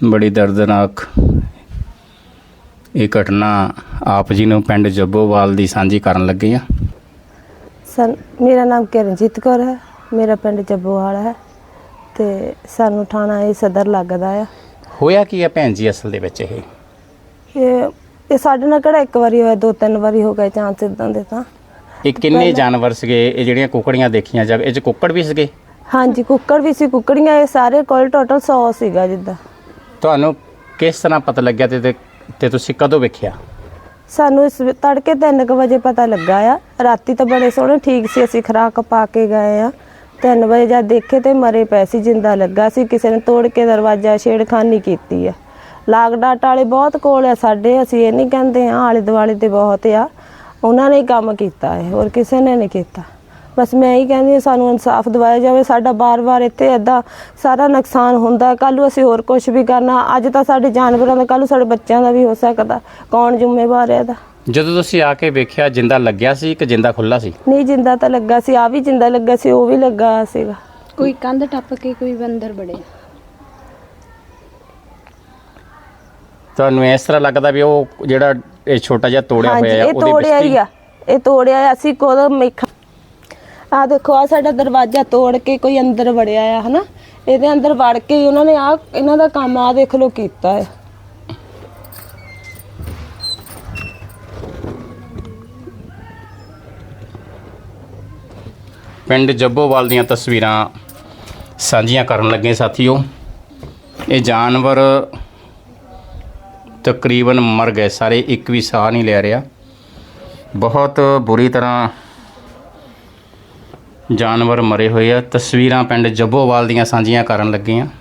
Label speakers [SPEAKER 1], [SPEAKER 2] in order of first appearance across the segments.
[SPEAKER 1] बड़ी दर्दनाक ये घटना आप जी ने पिंड जब्बोवाल दी सांझी करन लगे आ।
[SPEAKER 2] सर मेरा नाम किरणजीत कौर है, मेरा पिंड जब्बोवाल है ते सानू थाना ये सदर लगदा है।
[SPEAKER 1] होया की है भैन जी असल दे विच
[SPEAKER 2] ये साडे नाल किहड़ा एक वारी होया, 2-3 वारी हो गए चांस इदां दे। तां
[SPEAKER 1] ये किन्ने जानवर सीगे ये ਜਿਹੜੀਆਂ ਕੁਕੜੀਆਂ ਦੇਖੀਆਂ ਜਾਵੇ, ਇਹ 'ਚ ਕੁੱਕੜ ਵੀ ਸੀਗੇ?
[SPEAKER 2] ਹਾਂਜੀ ਕੁੱਕੜ ਵੀ ਸੀ, ਕੁੱਕੜੀਆਂ ਇਹ ਸਾਰੇ ਕੋਲ ਟੋਟਲ 100 ਸੀਗਾ ਜਿੱਦਾਂ।
[SPEAKER 1] ਤੁਹਾਨੂੰ ਕਿਸ ਤਰ੍ਹਾਂ ਪਤਾ ਲੱਗਿਆ ਤੇ ਤੁਸੀਂ ਕਦੋਂ ਵੇਖਿਆ?
[SPEAKER 2] ਸਾਨੂੰ ਇਸ ਤੜਕੇ 3 ਵਜੇ ਪਤਾ ਲੱਗਾ ਆ। ਰਾਤੀ ਤਾਂ ਬੜੇ ਸੋਹਣੇ ਠੀਕ ਸੀ, ਅਸੀਂ ਖੁਰਾਕ ਪਾ ਕੇ ਗਏ ਆ। 3 ਵਜੇ ਜਦ ਦੇਖੇ ਤੇ ਮਰੇ ਪਏ ਸੀ, ਜਿੰਦਾ ਲੱਗਾ ਸੀ। ਕਿਸੇ ਨੇ ਤੋੜ ਕੇ ਦਰਵਾਜ਼ਾ ਛੇੜਖਾਨੀ ਕੀਤੀ ਆ। ਲਾਗ ਡਾਟ ਵਾਲੇ ਬਹੁਤ ਕੋਲ ਆ ਸਾਡੇ, ਅਸੀਂ ਇਹ ਨਹੀਂ ਕਹਿੰਦੇ ਆ, ਆਲੇ ਦੁਆਲੇ ਤੇ ਬਹੁਤ ਆ। ਉਹਨਾਂ ਨੇ ਹੀ ਕੰਮ ਕੀਤਾ ਹੈ, ਹੋਰ ਕਿਸੇ ਨੇ ਨਹੀਂ ਕੀਤਾ। ਬਸ ਮੈਂ ਇਹੀ ਕਹਿੰਦੀ ਹਾਂ ਸਾਨੂੰ ਇਨਸਾਫ ਦਿਵਾਇਆ ਜਾਵੇ। ਸਾਡਾ ਬਾਰ-ਬਾਰ ਇੱਥੇ ਇੱਦਾਂ ਸਾਰਾ ਨੁਕਸਾਨ ਹੁੰਦਾ, ਕੱਲ੍ਹ ਨੂੰ ਅਸੀਂ ਹੋਰ ਕੁਝ ਵੀ ਕਰਨਾ। ਅੱਜ ਤਾਂ ਸਾਡੇ ਜਾਨਵਰਾਂ ਦਾ, ਕੱਲ੍ਹ ਨੂੰ ਸਾਡੇ ਬੱਚਿਆਂ ਦਾ ਵੀ ਹੋ ਸਕਦਾ। ਕੌਣ ਜ਼ਿੰਮੇਵਾਰ ਹੈ ਇਹਦਾ?
[SPEAKER 1] ਜਦੋਂ ਤੁਸੀਂ ਆ ਕੇ ਵੇਖਿਆ ਜਿੰਦਾ ਲੱਗਿਆ ਸੀ ਕਿ ਜਿੰਦਾ ਖੁੱਲਾ ਸੀ?
[SPEAKER 2] ਨਹੀਂ ਜਿੰਦਾ ਤਾਂ ਲੱਗਾ ਸੀ, ਆ ਵੀ ਜਿੰਦਾ ਲੱਗਾ ਸੀ, ਉਹ ਵੀ ਲੱਗਾ ਸੀਗਾ।
[SPEAKER 3] ਕੋਈ ਕੰਧ ਟੱਪ ਕੇ ਕੋਈ ਅੰਦਰ ਵੜਿਆ।
[SPEAKER 1] ਤੁਹਾਨੂੰ ਇਸ ਤਰ੍ਹਾਂ ਲੱਗਦਾ ਵੀ ਉਹ ਜਿਹੜਾ ਇਹ ਛੋਟਾ ਜਿਹਾ ਤੋੜਿਆ ਹੋਇਆ
[SPEAKER 2] ਇਹ
[SPEAKER 1] ਉਹਦੇ
[SPEAKER 2] ਤੋੜਿਆ ਹੀ ਆ, ਇਹ ਤੋੜਿਆ ਆ। ਅਸੀਂ ਕੋਲ ਮੇਖਾ ਆ ਦੇਖੋ, ਆ ਸਾਡਾ ਦਰਵਾਜ਼ਾ ਤੋੜ ਕੇ ਕੋਈ ਅੰਦਰ ਵੜਿਆ ਆ, ਹਨਾ। ਇਹਦੇ ਅੰਦਰ ਵੜ ਕੇ ਹੀ ਉਹਨਾਂ ਨੇ ਆ ਇਹਨਾਂ ਦਾ ਕੰਮ ਆ ਦੇਖ ਲਓ ਕੀਤਾ ਹੈ।
[SPEAKER 1] ਪਿੰਡ ਜੱਬੋਵਾਲ ਦੀਆਂ ਤਸਵੀਰਾਂ ਸਾਂਝੀਆਂ ਕਰਨ ਲੱਗੇ ਸਾਥੀਓ। ਇਹ ਜਾਨਵਰ ਤਕਰੀਬਨ ਮਰ ਗਏ ਸਾਰੇ, ਇੱਕ ਵੀ ਸਾਹ ਨਹੀਂ ਲੈ ਰਿਹਾ। ਬਹੁਤ ਬੁਰੀ ਤਰ੍ਹਾਂ ਜਾਨਵਰ ਮਰੇ ਹੋਏ ਆ। ਤਸਵੀਰਾਂ ਪਿੰਡ ਜੱਬੋਵਾਲ ਦੀਆਂ ਸਾਂਝੀਆਂ ਕਰਨ ਲੱਗੇ ਆ।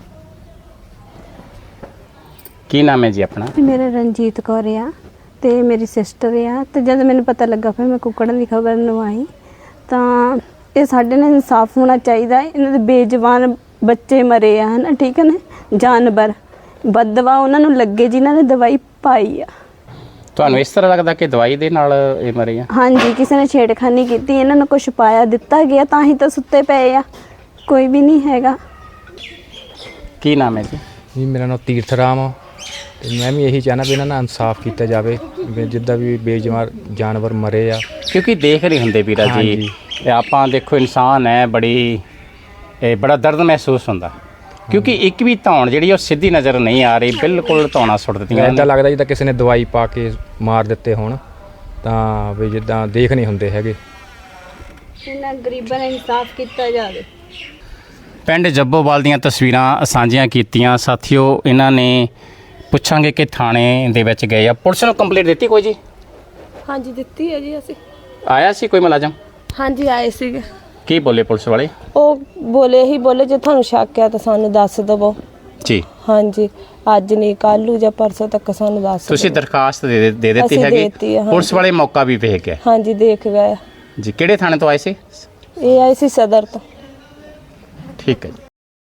[SPEAKER 1] ਕੀ ਨਾਮ ਹੈ ਜੀ ਆਪਣਾ?
[SPEAKER 3] ਮੇਰਾ ਰਣਜੀਤ ਕੌਰ ਆ ਤੇ ਮੇਰੀ ਸਿਸਟਰ ਆ। ਤੇ ਜਦ ਮੈਨੂੰ ਪਤਾ ਲੱਗਾ ਫਿਰ ਮੈਂ ਕੁੱਕੜਾਂ ਦੀ ਖਬਰ ਨਵਾਈ। ਤਾਂ ਇਹ ਸਾਡੇ ਨਾਲ ਇਨਸਾਫ ਹੋਣਾ ਚਾਹੀਦਾ। ਇਹਨਾਂ ਦੇ ਬੇਜਵਾਨ ਬੱਚੇ ਮਰੇ ਆ, ਹਨਾ, ਠੀਕ ਹੈ ਨਾ। ਜਾਨਵਰ ਬਦਦਵਾ ਉਹਨਾਂ ਨੂੰ ਲੱਗੇ ਜਿਨ੍ਹਾਂ ਨੇ ਦਵਾਈ ਪਾਈ ਆ।
[SPEAKER 1] ਤੁਹਾਨੂੰ ਇਸ ਤਰ੍ਹਾਂ ਲੱਗਦਾ ਕਿ ਦਵਾਈ ਦੇ ਨਾਲ ਇਹ ਮਰੇ ਆ?
[SPEAKER 3] ਹਾਂਜੀ, ਕਿਸੇ ਨੇ ਛੇੜਖਾਨੀ ਕੀਤੀ, ਇਹਨਾਂ ਨੂੰ ਕੁਛ ਪਾਇਆ ਦਿੱਤਾ ਗਿਆ, ਤਾਂ ਹੀ ਤਾਂ ਸੁੱਤੇ ਪਏ ਆ। ਕੋਈ ਵੀ ਨਹੀਂ ਹੈਗਾ।
[SPEAKER 1] ਕੀ ਨਾਮ ਹੈ ਜੀ?
[SPEAKER 4] ਜੀ ਮੇਰਾ ਨਾਮ ਤੀਰਥ ਰਾਮ ਆ ਤੇ ਮੈਂ ਵੀ ਇਹੀ ਚਾਹੁੰਦਾ ਵੀ ਇਹਨਾਂ ਨਾਲ ਇਨਸਾਫ ਕੀਤਾ ਜਾਵੇ, ਵੀ ਜਿੱਦਾਂ ਵੀ ਬੇਜਵਾਨ ਜਾਨਵਰ ਮਰੇ ਆ।
[SPEAKER 1] ਕਿਉਂਕਿ ਦੇਖ ਨਹੀਂ ਹੁੰਦੇ ਵੀਰਾ ਜੀ, ਇਹ ਆਪਾਂ ਦੇਖੋ ਇਨਸਾਨ ਹੈ, ਬੜਾ ਦਰਦ ਮਹਿਸੂਸ ਹੁੰਦਾ। ਕਿਉਂਕਿ ਇੱਕ ਵੀ ਧੌਣ ਜਿਹੜੀ ਉਹ ਸਿੱਧੀ ਨਜ਼ਰ ਨਹੀਂ ਆ ਰਹੀ, ਬਿਲਕੁਲ ਧੌਣਾ ਸੁੱਟ ਦਿੱਤੀਆਂ।
[SPEAKER 4] ਇੱਦਾਂ ਲੱਗਦਾ ਜਿੱਦਾਂ ਕਿਸੇ ਨੇ ਦਵਾਈ ਪਾ ਕੇ ਮਾਰ ਦਿੱਤੇ ਹੋਣ, ਤਾਂ ਵੀ ਜਿੱਦਾਂ ਦੇਖ ਨਹੀਂ ਹੁੰਦੇ ਹੈਗੇ।
[SPEAKER 3] ਇਹਨਾਂ ਗਰੀਬਾਂ ਦਾ ਇਨਸਾਫ ਕੀਤਾ ਜਾਵੇ।
[SPEAKER 1] ਪਿੰਡ ਜੱਬੋਵਾਲ ਦੀਆਂ ਤਸਵੀਰਾਂ ਸਾਂਝੀਆਂ ਕੀਤੀਆਂ ਸਾਥੀਓ। ਇਹਨਾਂ ਨੇ ਪੁੱਛਾਂਗੇ ਕਿ ਥਾਣੇ ਦੇ ਵਿੱਚ ਗਏ ਆ, ਪੁਲਿਸ ਨੂੰ ਕੰਪਲੇਂਟ ਦਿੱਤੀ ਕੋਈ ਜੀ?
[SPEAKER 2] ਹਾਂਜੀ ਦਿੱਤੀ ਹੈ ਜੀ ਅਸੀਂ।
[SPEAKER 1] ਆਇਆ ਸੀ ਕੋਈ ਮੁਲਾਜ਼ਮ?
[SPEAKER 2] ਹਾਂਜੀ ਆਏ ਸੀਗੇ।
[SPEAKER 1] ਕੀ ਬੋਲੇ ਪੁਲਿਸ ਵਾਲੇ?
[SPEAKER 2] ਉਹ ਬੋਲੇ ਹੀ ਬੋਲੇ ਜੇ ਤੁਹਾਨੂੰ ਸ਼ੱਕ ਆ ਤਾਂ ਸਾਨੂੰ ਦੱਸ ਦਵੋ ਜੀ। ਹਾਂਜੀ ਅੱਜ ਨਹੀਂ, ਕੱਲ੍ਹ ਨੂੰ ਜਾਂ ਪਰਸੋਂ ਤੱਕ ਸਾਨੂੰ ਦੱਸ। ਤੁਸੀਂ
[SPEAKER 1] ਦਰਖਾਸਤ ਦੇ ਦਿੱਤੀ ਹੈਗੀ? ਪੁਲਿਸ ਵਾਲੇ ਮੌਕਾ ਵੀ ਵੇਖ ਗਏ?
[SPEAKER 2] ਹਾਂਜੀ ਦੇਖ ਗਏ ਜੀ।
[SPEAKER 1] ਕਿਹੜੇ ਥਾਣੇ ਤੋਂ ਆਏ ਸੀ?
[SPEAKER 2] ਇਹ ਆਏ ਸੀ ਸਦਰ ਤੋਂ।
[SPEAKER 1] ਠੀਕ ਹੈ ਜੀ।